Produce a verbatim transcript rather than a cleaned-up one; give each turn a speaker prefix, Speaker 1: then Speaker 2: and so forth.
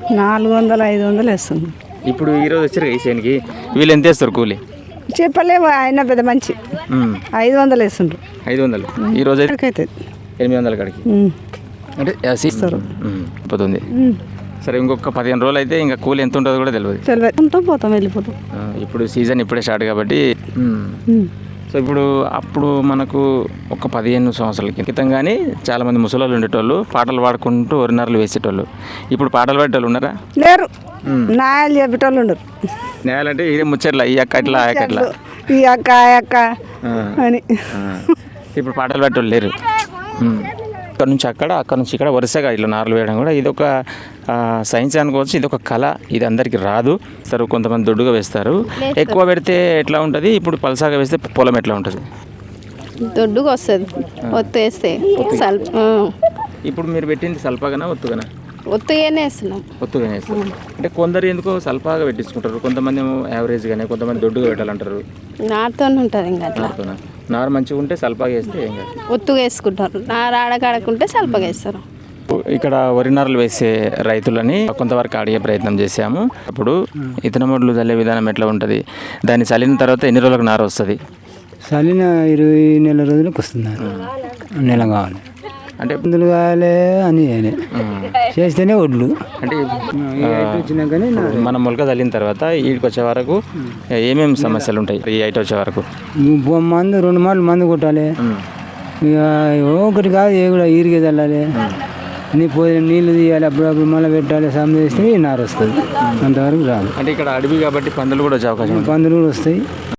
Speaker 1: నాలుగు వందలు ఐదు వందలు వేస్తుంది.
Speaker 2: ఇప్పుడు ఈరోజు వచ్చారు ఈ చేనికి వీళ్ళు ఎంత వేస్తారు కూలి?
Speaker 1: చెప్పలేము, ఆయన పెద్ద మంచి ఐదు వందలు వేస్తుండ్రు.
Speaker 2: ఐదు వందలు ఈ రోజు అయితే
Speaker 1: అవుతుంది
Speaker 2: ఎనిమిది వందల కాడికి అంటే ఇస్తారు పోతుంది. సరే ఇంకొక పదిహేను రోజులు అయితే ఇంకా కూలి ఎంత ఉంటుందో కూడా తెలియదు.
Speaker 1: తెలియదు, ఉంటాం పోతాం వెళ్ళిపోతాం.
Speaker 2: ఇప్పుడు సీజన్ ఇప్పుడే స్టార్ట్ కాబట్టి. సో ఇప్పుడు అప్పుడు మనకు ఒక పదిహేను సంవత్సరాల క్రితం కానీ చాలామంది ముసలోళ్ళు ఉండేటోళ్ళు పాటలు పాడుకుంటూ ఒరినర్లు వేసేటోళ్ళు. ఇప్పుడు పాటలు పాడేటోళ్ళు ఉన్నారా?
Speaker 1: లేరు, నాయాలు చెప్పేటోళ్ళు ఉండరు.
Speaker 2: నేయాలంటే ఇదే ముచ్చట్లా ఈ అక్క ఇట్లా ఆ అక్క ఇట్లా
Speaker 1: ఈ అక్క ఆ అక్క అని.
Speaker 2: ఇప్పుడు పాటలు పాడేటోళ్ళు లేరు. ఇక్కడ నుంచి అక్కడ అక్కడ నుంచి ఇక్కడ వరుసగా ఇట్లా నార్లు వేయడం కూడా ఇది ఒక సైన్స్ అనుకోవచ్చు. ఇది ఒక కళ, ఇది అందరికి రాదు. సరే కొంతమంది దొడ్డుగా వేస్తారు, ఎక్కువ పెడితే ఎట్లా ఉంటుంది? ఇప్పుడు పలసాగా వేస్తే పొలం ఎట్లా ఉంటుంది?
Speaker 3: దొడ్డుగా వస్తుంది ఒత్తు వేస్తే.
Speaker 2: ఇప్పుడు మీరు పెట్టింది సల్పాగానా ఒత్తుగానా?
Speaker 3: ఒత్తుగానే వేస్తున్నాం.
Speaker 2: ఒత్తుగానే వేస్తారు. అంటే కొందరు ఎందుకో సల్పాగా పెట్టించుకుంటారు, కొంతమంది ఏమో యావరేజ్గానే, కొంతమంది దొడ్డుగా పెట్టాలంటారు.
Speaker 3: నారుతో ఉంటుంది ఇంకా అట్లా.
Speaker 2: నారుతోనా? నారు మంచిగా ఉంటే సల్పాగా వేస్తే ఏం కాదు,
Speaker 3: ఒత్తుగా వేసుకుంటారు. నారు ఆడకాడకుంటే సల్పగా వేస్తారు.
Speaker 2: ఇక్కడ వరి నారులు వేసే రైతులని కొంతవరకు అడిగే ప్రయత్నం చేశాము. అప్పుడు ఇతనమొడ్లు చల్లే విధానం ఎట్లా ఉంటుంది, దాన్ని చల్లిన తర్వాత ఎన్ని రోజులకు నారు వస్తుంది?
Speaker 4: చల్లిన ఇరవై నెల రోజులకు వస్తుంది, నెల కావాలి అంటే మందులు కావాలి అని చేస్తేనే వడ్లు
Speaker 2: అంటే
Speaker 4: వచ్చినాకనే
Speaker 2: మనం మొలక చల్లిన తర్వాత వీడికి వచ్చే వరకు ఏమేమి సమస్యలు ఉంటాయి? ఈ ఐట వచ్చే వరకు
Speaker 4: మందు రెండు మాటలు మందు కొట్టాలి, ఇక ఒకటి కాదు ఏ కూడా ఈరిగే చల్లాలి, నీ పోయి నీళ్ళు తీయాలి, అప్పుడప్పుడు మళ్ళీ పెట్టాలి, సమ్ చేస్తే నారు వస్తుంది. అంతవరకు రాదు.
Speaker 2: అంటే ఇక్కడ అడవి కాబట్టి పందులు కూడా వచ్చే అవకాశం,
Speaker 4: పందులు కూడా వస్తాయి.